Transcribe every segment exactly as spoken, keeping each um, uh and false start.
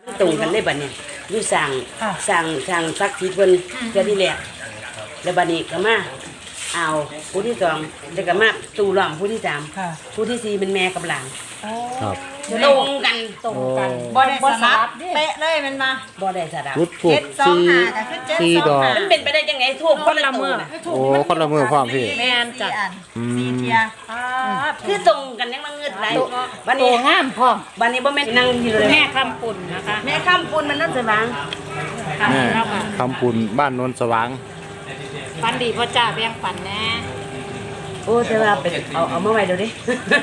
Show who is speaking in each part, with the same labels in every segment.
Speaker 1: ตรงกันเลยบัดนี้อยู่สั่งสั่งสั่งซักทีเพิ่นเทื่อที่แรกแล้วบัดนี้ก็มาเอาผู้ที่สองแล้วก็มาตู่ล้อมผู้ที่สามผู้ที่สี่เป็นแม่กับหลาน
Speaker 2: ครับ
Speaker 1: ตรงกัน
Speaker 3: ตรงกันบ่ได้สลับเป๊ะเลยมันมา
Speaker 1: บ่ได้สลับ
Speaker 2: จุดทูบสี่สี่ดอก
Speaker 1: มันเป็นไปได้ยังไงทูบคนละมือ
Speaker 2: โอ้คนละมือพร้อมพี่
Speaker 3: แม่นจ้ะ
Speaker 1: สี่เทียคือตรงกันยังมาเงืดไหลบัด
Speaker 3: นี้งามพร้อม
Speaker 1: บัดนี้บ่แม่นนั่งอยู่เลย
Speaker 3: แม่คำปุ่นนะคะ
Speaker 1: แม่คำปุ่นมันนั่นสว่าง
Speaker 2: แม่คำปุ่นบ้านโนนสว่าง
Speaker 3: ฝันดีพ่อจ้าแบ่งฝันแน่
Speaker 1: โอ้แต่ว่าเป็นเอาเอามาไว้เดี๋ยวดิ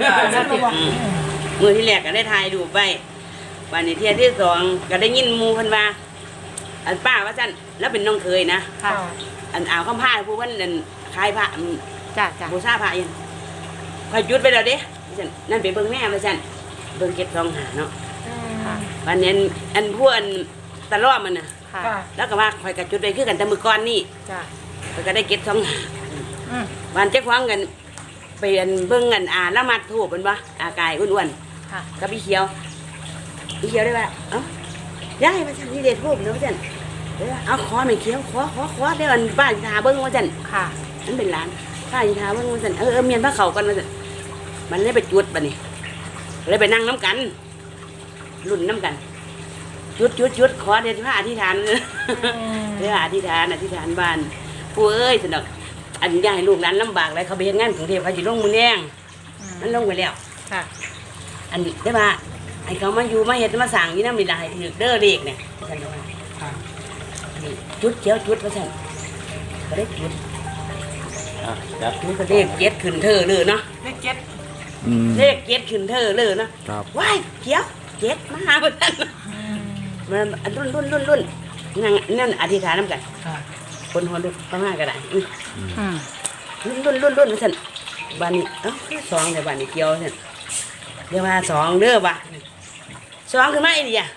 Speaker 1: มือที่แรกก็ได้ถ่ายรูปไว้วันนี้เที่ยที่สองก็ได้ยินมูพันว่าอันป้าว่าจันแล้วเป็นน้องเคยนะอันอ่าวข้ามผ้าผู้ว่านั่นคลายผ้า
Speaker 3: จ้าจ้า
Speaker 1: บูชาผ้ายังคอยยุดไปเดี๋ยวดิจันนั่นเป็นเบิ้งแม่ว่าจันเบิ้งเก็บทองหาเนาะวันนี้อันพวกอันตะล่อมันน่ะแล้วก็ว่าคอยกระจุดไปคือกันแต่มือก้อนนี่ก็ได้เก็บทองหาวันเจ๊คว้างกันไปเบิ้งเงินอ่าละมัดถูกเป็นปะอากายอ้วนๆกับพี่เขียวพี่เขียวได้ปะเอ้าย้ายมาจันที่เด็ดทูบเนาะจันเอาขอไม่เขียวขอขอขอได้วันป้าจิตาเบิ้งว่าจันค่ะนั่นเป็นร้านป้าจิตาเบิ้งว่าจันเออเมียนพระเขากันว่าจันมันเลยไปจุดปะนี่เลยไปนั่งน้ำกันรุ่นน้ำกันจุดจุดจุดขอเดี๋ยวพระอธิษฐานเลยเดี๋ยวอธิษฐานอธิษฐานบ้านผู้เอ้ยสนุกอันนี้ให้ลูกนั้นลำบากเลยเขาไปเฮ็ดงานกรุงเทพเขาจะลงมือแรงมันลงไปแล้ว
Speaker 3: ค่ะ
Speaker 1: อันนี้ได้ป่ะไอ้เขามาอยู่มาเฮ็ดมาสั่งนี่น้ำมีลายถือเด้อเด็กเนี่ยฉันว่าจุดเจียวจุดว่าฉันก็ได้จุดจุดก็เลขเจ็ดขึ้นเธอเลยเนาะ
Speaker 3: เลขเจ็ด
Speaker 1: เลขเจ็ดขึ้นเธอเลยเนาะว้ายเจียวเจ็ดมาหาเพื่อนมันรุ่นรุ่นรุ่นรุ่นนั่นนั่นอธิษฐานน้ำกันคนหัวลุกเข้ามาก็ได้รุ่นรุ่นรุ่นรุ่นฉันบ้านนี้เอ้าสองเดี๋ยวบ้านนี้เกี่ยวฉันเดี๋ยวมาสองเด้อบ้าสองคือไม่ดีอ่ะ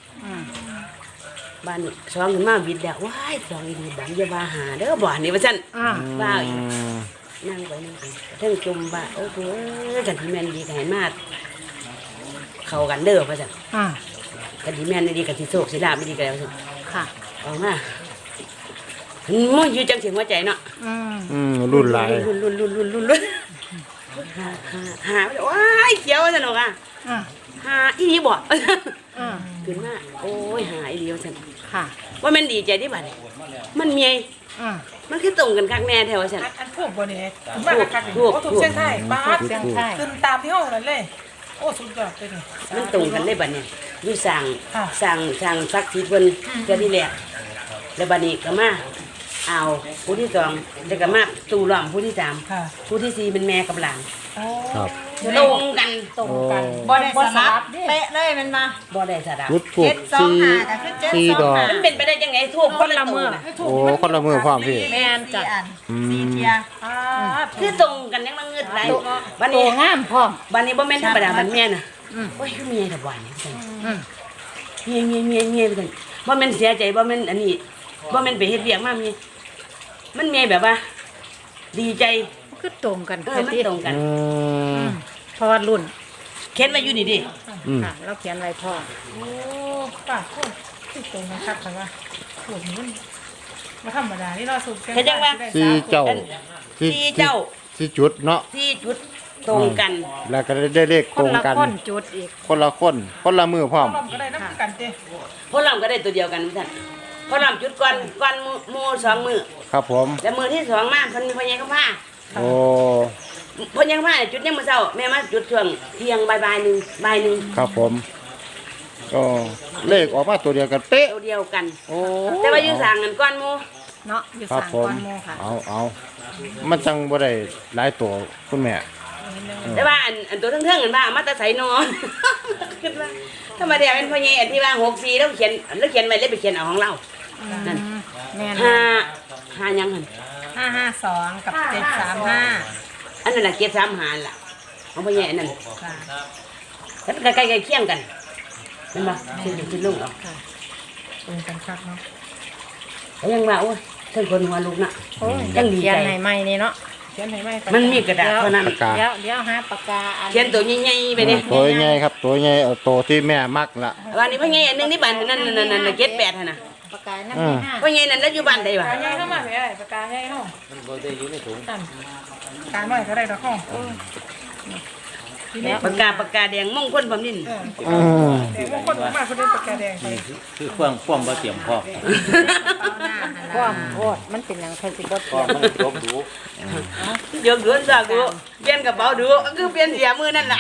Speaker 1: บ้านนี้สองคือมาบิดแล้วว้ายสองดีบ้านจะมาหาเด้อบ้านนี้ว่าฉันบ้าอีกนั่งไปนั่งไปทั้งจุ่มบ้าโอ้โหกันที่แม่นดีกันมากเข้ากันเด้อว่าฉันกันที่แม่นดีกันที่โชคสิลาบไม่ดีกันแล้วฉัน
Speaker 3: ค่ะ
Speaker 1: ออกมามันอยู่จังเสียงหัวใจเนาะ
Speaker 2: อืมรุ่นหลาย
Speaker 1: รุ่นรุ่นรุ่นรุ่นรุ่นรุ่นหาหาหาว้ายเขียวสนุกอ่ะหาอีนี่บ่ขึ้นมาโอ้ยหาอีเดียวฉัน
Speaker 3: ค่ะ
Speaker 1: ว่ามันดีใจที่บ้านมันเมียมันคือตรงกันคักแน่แถวฉัน
Speaker 4: อันพวกบ่เนี่ยมากคักโอ้ถูกเส้นไทยบ้าเส้นไทยขึ้นตามที่ห้องนั่นเลยโอ้สุดยอดเลย
Speaker 1: มันตรงกันเลยบ้านเนี่ยอยู่สั่งสั่งสั่งซักทีเพิ่นเทื่อที่แรกแล้วบัดนี้ก็มาเอาผู้ที่สองแล้วก็มาตู่ล้อมผู้ที่สามผู้ที่สี่เป็นแม่กับหลานตรงกัน
Speaker 3: ตรงกันบ่ได้สลับเป๊ะเลยมันมา
Speaker 1: บ่ได้สลับ
Speaker 2: จุดทูบสี่สี่ดอก
Speaker 1: มันเป็นไปได้ยังไงทูบคนละมือ
Speaker 2: โอ้คนละมือพร้อมพี่
Speaker 3: แม่นจ้ะ
Speaker 1: สี่เทียคือตรงกันยังมาเงืดไหล
Speaker 3: บัดนี้งามพร้อม
Speaker 1: บัดนี้บ่แม่นธรรมดามันแม่น่ะโอ้ยคือเมียตะวันเมียเมียเมียเมียไปจังบ่แม่นเสียใจบ่แม่นอันนี้บ่แม่นไปเฮ็ดเวียกมามีมันมีแบบว่าดีใจ
Speaker 3: คือตรงกัน
Speaker 1: เออมันตรงกัน
Speaker 3: เพราะว่ารุ่น
Speaker 1: เขียนไว้อยู่นี่ดิ
Speaker 3: ค่ะเราเขียนไว้พ่อ
Speaker 4: โอ้ป้าโคตรตรงกันครับค่ะว่าโหมันมาธรรมดานี่เราสุด
Speaker 1: เห็นจังว่า
Speaker 2: สี่เจ้า
Speaker 1: สี่เจ้า
Speaker 2: สี่จุดเนาะ
Speaker 1: สี่จุดตรงกัน
Speaker 2: แล้วก็ได้เลขตรงกัน
Speaker 3: คนละคนจุดอีก
Speaker 2: คนละคนคนละมือพร้อม
Speaker 4: ก็ได้นับกันเต้
Speaker 1: พวกเราก็ได้ตัวเดียวกันท่านพอลำจุดก่อนก่อนมือสองมือ
Speaker 2: ครับผม
Speaker 1: แล้วมือที่สองมาพันพยังข้าผ้า
Speaker 2: โอ้
Speaker 1: พยังผ้าจุดยังมือเช้าแม่มาจุดช่วงเที่ยงบ่ายบ่ายหนึ่งบ่ายหนึ่ง
Speaker 2: ครับผมก็เลขออกมาตัวเดียวกันเป๊ะ
Speaker 1: ตัวเดียวกันโอ้แต่ว่าอยู่สั่งกันก้อนมู
Speaker 3: เนาะอยู่สั่งก้อนมูค่ะ
Speaker 2: เอาเอามันจังบ่ได้หลายตัวคุณแม่
Speaker 1: แต่ว่าอันอันตัวเทิงๆกันบ้ามาตะไสนอนคิดว่าถ้ามาเดี๋ยวเป็นพ่อใหญ่ที่ว่าหกสี่แล้วเขียนแล้วเขียนไว้แล้วไปเขียนเอาของเรานั่นห้าห้ายังหัน
Speaker 3: ห้าห้าสองกับเจ็ดสามห้า
Speaker 1: อันนั้นแหละเจ็ดสามห้าล่ะของพ่อใหญ่นั่นแล้วใกล้ๆเคียงกันเห็นไหมชิ้นชิ้นลูกเอา
Speaker 4: ตรงกันครับเนาะ
Speaker 1: ยังว่าโอ้ยท่านคนหัวลูกน่ะ
Speaker 3: ยังดีใจไหนไม่นี่เนาะ
Speaker 4: เขียนให้ไหม
Speaker 1: มันมีกระดาษเท่านั้น
Speaker 2: ปากกา
Speaker 3: เดี๋ยวเดี๋ยวหาปากกาอัน
Speaker 1: เขียนตัวใหญ่ๆไปเนี่ย
Speaker 2: ตัวใหญ่ครับตัวใหญ่เอาตัวที่แม่มักละ
Speaker 1: วันนี้พ่อใหญ่อันหนึงที่บ้านนั่นนั่นนั่นนั่นเจ็ดแปดหั่นน่ะ
Speaker 3: ปากกาน้ำที่ห้า
Speaker 1: พ่อใหญ่นั่นแล้วอยู่บ้านใดวะ
Speaker 4: ปากกาใหญ่เข้ามาไหมไอ้ปากกาใหญ่เข้า
Speaker 5: มันบ่ได้อยู่ในถุง
Speaker 4: ตันกาหน่อยก็ได้ดอกห้องทีนี้
Speaker 1: ปากกาปากกาแดงมงคลผมนิน
Speaker 4: เออ
Speaker 2: อืม
Speaker 4: แต่บางคนมาคนเล่นปากกาแดงไป
Speaker 5: คือคือเครื่องความบ่เตรียมพร้อม
Speaker 3: ความโพดมันเป็นอย่างใครสิบด
Speaker 5: พร้อมมันจบดู
Speaker 1: เดี๋ยวดูสักดูเปลี่ยนกระเป๋าดูก็คือเปลี่ยนเสียมือนั่นแหละ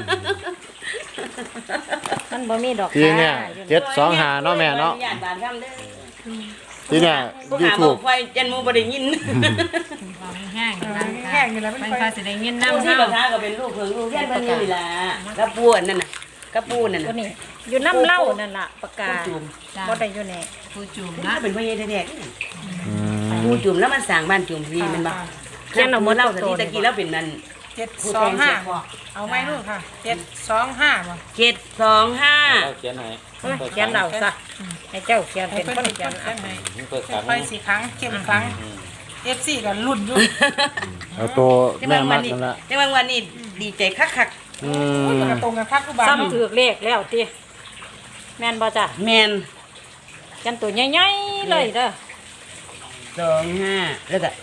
Speaker 3: มันบ่มีดอก
Speaker 2: ทีเนี่ยเจ็ดสองหาเนาะแม่เนาะ
Speaker 1: ญาติบ้านคำเด้อ
Speaker 2: ทีเนี่ย
Speaker 1: ผู้
Speaker 2: ยู
Speaker 1: หาบ
Speaker 2: ทู
Speaker 1: อบ กไฟจันมูบ่ได้ยิน
Speaker 3: แห้ง
Speaker 4: แห้งนี่แหละมัน
Speaker 3: เป็น
Speaker 4: ไป
Speaker 3: ภาษีได้ยิน
Speaker 1: ผู้
Speaker 3: น้ำ
Speaker 1: ที่
Speaker 3: เฮา
Speaker 1: ประธานก็เป็นลูกเพิ่งลูกเรียนเพิ่นนี่ล่ะกระปูอันนั่นน่ะกระปูนั่น
Speaker 3: ตัว
Speaker 1: น่ะ
Speaker 3: นี้อยู่น้ำเหล้านั่นล่ะปากกา
Speaker 1: จุ่ม
Speaker 3: บ่ได้อยู่ใน
Speaker 6: ผู้จุ่ม
Speaker 1: น่า
Speaker 6: นะ
Speaker 1: เป็นพ่อใหญ่แท้
Speaker 2: อืม
Speaker 1: ๆปูจุ่มแล้วมันสร้างบ้านจุ่มพี่มันบ่เขียนเอาหมดเล่าสติตะกี้แล้วเป็นนั่น
Speaker 4: เจ็ดสองห้าเอาไหมลูกค่ะเจ็ดสองห้าบ่
Speaker 1: เจ็ดสองห้า
Speaker 5: เราเขียนให้
Speaker 3: เขียนเราซะให้เจ้าเขียน
Speaker 4: ให้
Speaker 3: เป็น
Speaker 4: เพิ่น
Speaker 3: คน
Speaker 4: เขี
Speaker 3: เขี
Speaker 4: ย
Speaker 3: ย
Speaker 4: น
Speaker 3: น
Speaker 4: ให้
Speaker 5: เปิดกัน
Speaker 4: ไปสี่ครั้งเข้มครั้งเอฟซีก็รุ่นอยู่
Speaker 2: เอาตัว
Speaker 1: จังห
Speaker 2: แม่
Speaker 1: วะ
Speaker 2: มั
Speaker 1: วัน
Speaker 2: ก
Speaker 1: นี้
Speaker 2: นั่นละ
Speaker 1: จังหวะวันนี้ดีใจคัก
Speaker 2: อื
Speaker 4: มัน
Speaker 2: ม
Speaker 4: ก็ตรงกันพักกูบาล
Speaker 3: ซ้ำถือเลขแล้วติแม่นบ่จ้ะ
Speaker 1: ๆแมน
Speaker 3: กันตัวใหญ่ๆเลยเด้อ
Speaker 1: สองห้าแล้วก็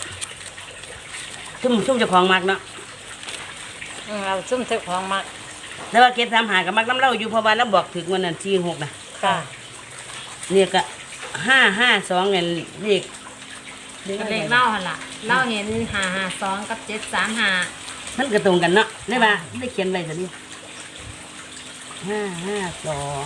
Speaker 1: ซุ่มซุ่มเจ้าของมักเนาะ
Speaker 3: อืมเอาซุ่มเจ้าของมา
Speaker 1: แต่ว่าเก็บสามหากับมักน้ำเล่าอยู่เพราะว่าเราบอกถึงวันนั้นสี่หกนะ
Speaker 3: ค่ะ
Speaker 1: เนี่ยก็ห้าห้าสองเงินเลข
Speaker 6: เลขเล่าหั่นล่ะเล่าเห็นห้าห้าสองกับเจ็ดสามห้า
Speaker 1: มันก็ตรงกันเนาะได้ป่ะได้เขียนไว้สิห้าห้าสอง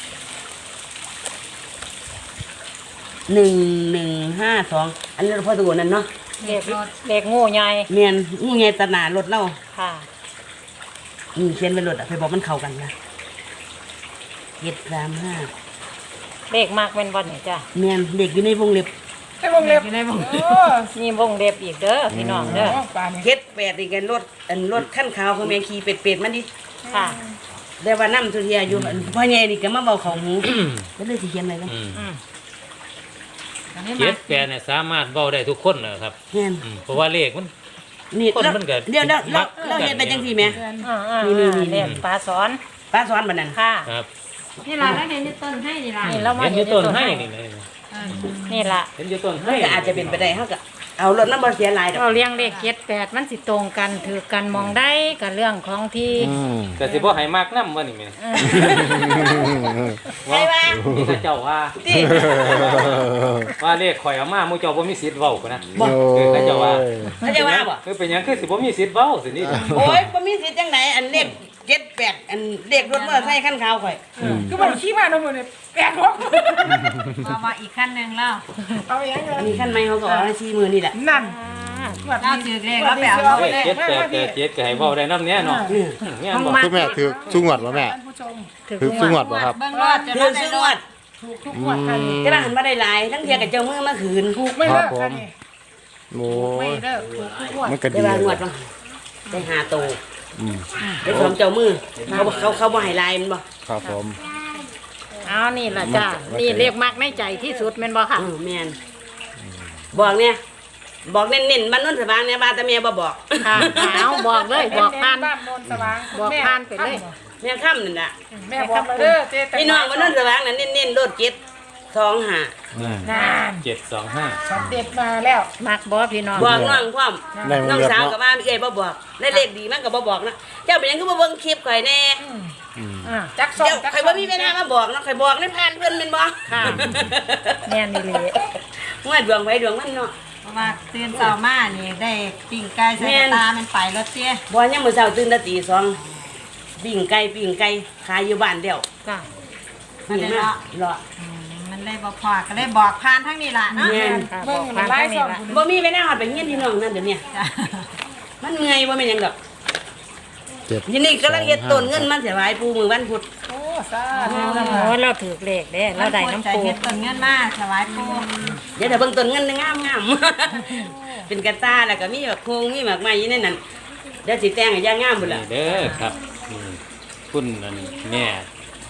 Speaker 1: หนึ่งหนึ่งห้าสองอันนี้เราพอตัวนั้นเนาะ
Speaker 3: เลขเลขงูใหญ่
Speaker 1: เมียนงูไงตะหนารถเล่า
Speaker 3: ค่ะ
Speaker 1: นี่เขียนไว้รถอ่ะไปบอกมันเข้ากันนะเจ็ดสามห้า
Speaker 3: เลขมากเป็นวันนี่จ้ะ
Speaker 1: เมียนเด็กอยู่ในวงเล็บ
Speaker 4: ให้วงเล็บ
Speaker 6: อยู่ในวง
Speaker 4: โอ้
Speaker 3: นี่วงเล็บอีกเด้อพี่น้องเด้อ
Speaker 4: ปลาเนี่ย
Speaker 1: เจ็ดแปดอีกกันรถอันรถขั้นขาวของแมงขี่เป็ดเป็ดๆมันดิ
Speaker 3: ค่ะ
Speaker 1: แต่ว่าน้ำทุเรียอยู่อันพ่อใหญ่นี่ก็มาเบาของหูก็เลยสิเขียนอะไรกัน
Speaker 5: อืม
Speaker 3: อืม
Speaker 6: อันนี้
Speaker 5: เจ็
Speaker 6: มา
Speaker 5: ดแปดเนี่ยสามารถเว้าได้ทุกคนนะครับ
Speaker 1: เมียน
Speaker 5: อืมเพราะว่าเลขมัน
Speaker 1: นี่
Speaker 5: คน
Speaker 1: เรา
Speaker 5: มันก็
Speaker 1: เดี๋ยวเรา
Speaker 5: มั
Speaker 1: เรา
Speaker 5: ก
Speaker 1: เราเห็นไปจังสี่แม่
Speaker 3: อ่าอ่า
Speaker 1: นี่นี่นี่
Speaker 3: เลขปลาสอน
Speaker 1: ป้าสอนบันนั้น
Speaker 3: ค่ะ
Speaker 5: ครับ
Speaker 6: นี่ล่ะแล้วเห็นอยู่ต้นให้นี่ล่ะ
Speaker 3: นี่เรามา
Speaker 5: เห็นอยู่ต้นให้นี่เลย
Speaker 6: เออ
Speaker 3: นี่ล่ะ
Speaker 5: เห็นอยู่ต้น
Speaker 1: มั
Speaker 5: ให้
Speaker 1: นก็อาจจะเป็นไปได้เขาก็เอารถน้ำบอเสียหลายดอก
Speaker 3: เราเลี้ยงเลขเจ็ดแปดมันสิตรงกันถือกันมองได้กับเรื่องของที่
Speaker 2: อืม
Speaker 5: แต่สิบ่ให้มากนำว่านี่แม่
Speaker 3: เออ
Speaker 1: ใช่ป่ะ
Speaker 5: นี่ก็เจ้าว่า
Speaker 1: ที่
Speaker 5: ว่าเลขข่อยเอามาหมู่เจ้าบ่มีสิทธิ์เว้ากันนะ
Speaker 2: โอ้
Speaker 5: เออเขาเจ้าว่า
Speaker 1: เขาจะว่าบ่
Speaker 5: คือเป็นหยังคือสิบ่มีสิทธิ์เว้าสินี่
Speaker 1: โอ้ยบ่มีสิทธิ์จังไหนอันเลขเจ็ดแปดอันเลขรถมอเตอร์ไซค์ขั้นขาวข่อย
Speaker 4: คือมันขี้มาโน่นเนี่ยแปลกหรอก
Speaker 6: มามาอีกขั้นหนึ่งแล้ว
Speaker 4: เอาอย่างเงี้ย
Speaker 1: อันนี้ขั้นไม่เขาก็เอาให้ชี้มือนี่แหละ
Speaker 4: นั่น
Speaker 6: เราถือเลขแล้วไปเอา
Speaker 5: เลขเจ็ดแปดแปดเจ็ดก็ให้เว้าได้นำเนี้ยเนาะเนี่ยบ่
Speaker 2: คุณแม่ถือสุงวดบ่แม่
Speaker 4: ท่านผู้ชม
Speaker 3: ถือ
Speaker 2: ถือสุงวดบ่ครับ
Speaker 6: เบื้องรอดจะ
Speaker 1: คื
Speaker 6: ได้
Speaker 1: อ
Speaker 6: ได้
Speaker 1: ซื้อ
Speaker 6: ร
Speaker 1: ง
Speaker 6: อ
Speaker 1: ว
Speaker 6: ด
Speaker 1: ด
Speaker 4: ถูกทุกงวดค่ะนี่
Speaker 1: แต่ละหันมาได้หลายทั้งเทียกับเจ้ามือมาคืน
Speaker 4: ถูกไม่เลิก
Speaker 2: ครับผม
Speaker 4: ค่ะนี่
Speaker 2: โอ้
Speaker 4: ไม่
Speaker 2: ย
Speaker 4: เลิกถูกทุกงวด
Speaker 2: มันก็
Speaker 1: ได้
Speaker 2: ดี
Speaker 1: ว่างว
Speaker 2: เล
Speaker 1: ด
Speaker 2: ย
Speaker 1: บ่ได้หาโต
Speaker 2: อืม
Speaker 1: ได้ของเจ้ามือเขาเขาเขาบ่ให้ลายมันบ่
Speaker 2: ครับผม
Speaker 3: เอานี่ล่ะจ้ะนี่เลขมากในใจที่สุดแม่นบ่ค่ะ
Speaker 1: อือแม่นบอกเนี่ยบอกเน้นๆบ้านโนนสว่างเนี่ยบ้านตาเมียบ่บอก
Speaker 3: ค่ะเอาบอกเลยบอกผ่าน
Speaker 4: บ้านโนนสว่าง
Speaker 3: บอกผ่านไปเลย
Speaker 1: แม่ค่ำนั่นน่ะ
Speaker 4: แม่บอกมาเด้อเจ๊
Speaker 1: พี่น้องบ้านโนนสว่างนั่นเน้นๆรถเจ็ดสองห้า
Speaker 4: นาน
Speaker 5: เจ็ดสองห้า
Speaker 4: ช็อตเด็ดมาแล้ว
Speaker 3: มักบ่พี่น้อง
Speaker 1: บอกน้องพร้อม
Speaker 2: ในวง
Speaker 1: น้อง
Speaker 2: เล็บ
Speaker 1: สาว
Speaker 2: เนาะ
Speaker 1: กับว่าเอ้ยบ่บอกได้เลขดีมันก็บ่บอกนะเจ้าเป็นหยังก็บ่เบิ่งคลิปข่อยแน่
Speaker 3: อ่า
Speaker 4: จักส่ง
Speaker 1: เจ้า
Speaker 4: จัก
Speaker 1: ข่อยบ่มีเวลามาบอกนะข่อยบอกในผ่านเพิ่นแม่นบ่
Speaker 3: ค่ะแม่นอีหลี
Speaker 1: ว่าดวงไว้ดวงมันเนาะ
Speaker 6: เพราะว่าตื่นเช้ามานี่ได้ปิ้งไก่ใส่กระตามันไปรถเตี้ย
Speaker 1: บ่ยามมื้อเช้าตื่นแต่ตีสองปิ้งไก่ปิ้งไก่ขายอยู่บ้านเดียว
Speaker 3: จ้ะ
Speaker 1: ปิ้งมาเลาะ
Speaker 6: อืมมันเลยบ่พอก็เลยบอกผ่านทั้งนี้ล่ะเนาะ
Speaker 1: แม่น
Speaker 3: ค่ะบ
Speaker 4: เบิ่
Speaker 3: อง ก
Speaker 4: มั
Speaker 3: ผ่าน น
Speaker 4: ไล่
Speaker 3: ทาง
Speaker 4: ส
Speaker 3: นี้
Speaker 4: อง
Speaker 3: ล่ะ
Speaker 4: คุณ
Speaker 1: บ่มีเวลาฮอดไปเฮียนพี่น้องนั่นเดี๋ยวนี้
Speaker 6: จ้ะ
Speaker 1: มันเมื่อยบ่แม่นหยังดอก
Speaker 2: เจ็ด
Speaker 1: ยินนี่กำลังเฮ็ดต้นเงินมันสิไหวปูมือวันพุธ
Speaker 4: โอ้ซา
Speaker 3: โอ
Speaker 4: ธุนะ
Speaker 3: ้เราถือเลขเด้เราได้น้ำ
Speaker 6: ใจ
Speaker 3: ปู
Speaker 6: เฮ็ดต้นเงินมาถวายปู่
Speaker 1: เดี๋ยวถ้าเบิ่งต้นเงินงามงามๆ เป็นกระตาแล้วก็มีแบบโคงมีหมากไม้อยู่ในนั้นเดี๋ยวสิแต่งให้ย่างงามพุ่นล่ะ
Speaker 5: นี่เด้อครับอืมคุณนั่นแม่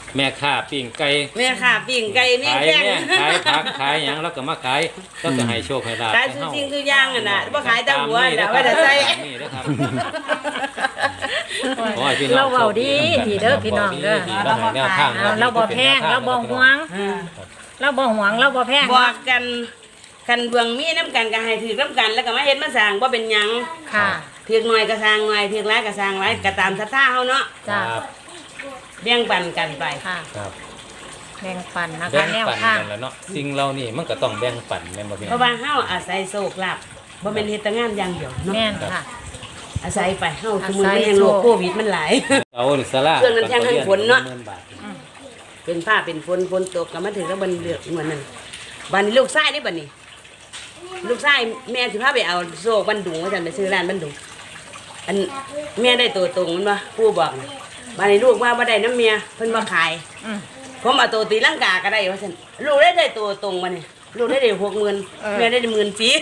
Speaker 5: แม่ค้าปิ้งไก่
Speaker 1: แม่ค่ะปิ้งไก่แม่
Speaker 5: ขาย
Speaker 1: แข้ง
Speaker 5: แม่ขายผักขายหยังแล้วก็มาขายแล้วก็ให้โชคให้ลาภ
Speaker 1: ขายซื้อจริงซื้อย่างอ่ะน่ะบ่ขายแต่หัวน่ะว่าแต่ใส่
Speaker 5: ตามนี่นะครับขอให้พี่น้อง
Speaker 3: เราเว้าดีดีเด้อพี่น้องเด้อ
Speaker 5: เราให้แนวทาง
Speaker 3: เอาเราบ่แพงเราบ่หวง เราบ่หวงเราบ่แพง
Speaker 1: บอกกันกันเบืองมีน้ำกันก็ให้ถือน้ำกันแล้วก็มาเฮ็ดมาสร้างบ่เป็นหยัง
Speaker 3: ค่ะ
Speaker 1: ถือหน่อยก็สร้างหน่อยถือหลายก็สร้างหลายก็ตามศรัทธาเฮาเนาะ
Speaker 5: ค
Speaker 3: จ้า
Speaker 5: รับ
Speaker 1: แบ่งปันกันไป
Speaker 3: ค่ะ
Speaker 5: ครับ
Speaker 3: แบ่งปันนะ
Speaker 5: แบ่
Speaker 3: คะ
Speaker 5: ง
Speaker 3: แนว
Speaker 5: ปัน
Speaker 3: ทาง
Speaker 5: กันแล้วเนาะสิ่งเรานี่มันก็ต้องแบ่งปันแม่นบ่พี่
Speaker 1: เพราะว่าเฮาอาศัยโชคลาภบ่แม่นเฮ็ดแต่งานอย่างเดียวเนาะ
Speaker 3: แม่นค่ะ
Speaker 1: อาศัยไปเฮาคือมือ
Speaker 3: อาศั
Speaker 1: มัน
Speaker 3: ย
Speaker 1: แห่งโรค
Speaker 3: โชค
Speaker 1: โควิดมันหลาย
Speaker 5: เอาหรือสลา
Speaker 1: เครื่องนั้นแท่งให้ฝนเนาะ
Speaker 5: หมื่บาท
Speaker 1: เป็นผ้าเป็นฝนฝนตกก็มาถึงแล้วบันเลือกเหมือนนั้นบัดนี้ลูกชายได้บัดนี้ ลูกชายแม่สิพาไปเอาโซ่บันดุงว่าซั่นไปซื้อร้านบันดุงอันแม่ได้ตัวตรงมันบ่ผู้บอกน่ะบัดนี้ลูกว่าบ่ได้น้ำเมียเพิ่นบ่ขาย
Speaker 3: อืม
Speaker 1: ผมเอาตัวตีลังกาก็ได้ว่าซั่นลูกได้ได้ตัวตรงมาเนี่ยลูกได้ได้หกหมื่น
Speaker 3: เออ
Speaker 1: แม่ได้หมื่นสี่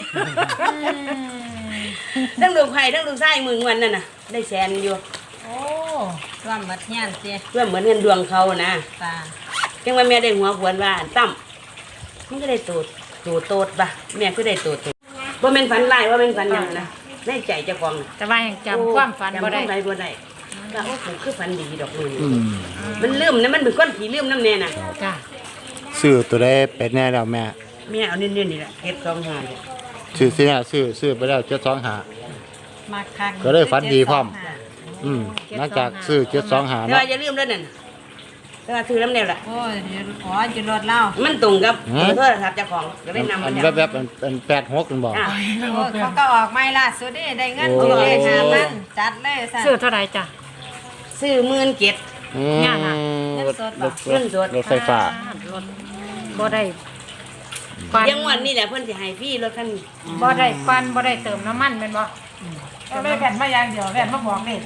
Speaker 1: ทั้งลูกไผ่ทั้งลูกชายมือเงินนั่นน่ะได้แสนอยู่
Speaker 6: โอ้รวมหมดเฮียนสิ
Speaker 1: เพื่อเหมือนเงินดวงเขานะ
Speaker 6: จ้า
Speaker 1: จังว่าแม่ได้หัวขวนว่าตั้มมันก็ได้ตัวตัวโตดปะแม่ก็ได้ตัวโตดว่าเป็นฝันร้ายว่าเป็นฝันหยังนะในใจเจ้าของน่ะ
Speaker 3: แต่ว่ายังจำความฝันบ่ได้
Speaker 1: จำความฝันบ่ได้ก็โอ้ผมคือฝันดีดอกนู่น
Speaker 2: อืม
Speaker 1: มันลืมนะมันเป็นก้อนผีลืมน้ำแน่น่ะ
Speaker 3: จ้า
Speaker 2: ซื้อตัวได้เป็นแน่แล้วแม่
Speaker 1: แม่เอาเน้นๆนี่แหละเฮ็ดสองหาเนี่ย
Speaker 2: ซื้อซื้อเนี่ยซื้อซื้อไปแล้วเจ็ดสองหา
Speaker 6: มาคัก
Speaker 2: ก็ได้ฝันดีพร้อม อืมหลังจากซื้อเจ็ดสองหา
Speaker 1: แต่
Speaker 2: เนาะ
Speaker 1: ว่าอย่าลืมแล้วนั่นแต่ว่าซื้อน้ำแน่ล่ะ
Speaker 6: โอ้ยเดี๋ยวอ๋อจะรถเล่า
Speaker 1: มันตรงกับเบอร์โทรศัพท์เจ้าของก็ได้นำ
Speaker 2: อั
Speaker 1: มัน น
Speaker 2: แวบๆแบบอันแปดหกกันบอก
Speaker 1: อ่ะ
Speaker 6: โอ้ยเขาก็ออกไม่ล่าสุดนี่ได้เงิน
Speaker 2: โอ้
Speaker 6: ที่เลขหามันจัดเลยสั่น
Speaker 3: ซื้อเท่าไหร่จ้ะ
Speaker 1: ซื้อหมื่นเจ็ด
Speaker 2: อืม
Speaker 3: เนี่ยน่ะ
Speaker 2: รถรถ
Speaker 1: เงินสด
Speaker 2: รถไฟฟ้าร
Speaker 3: ถบ่ได้ปัน
Speaker 1: ยังวันนี้แหละเพิ่นสิให้ฟรีรถคันนี้
Speaker 3: บ่ได้ปันบ่ได้เติมน้ำมันแม่นบ่
Speaker 4: ก็ได้แผ่นมาอย่างเดียวแผ่นมาบอกนี่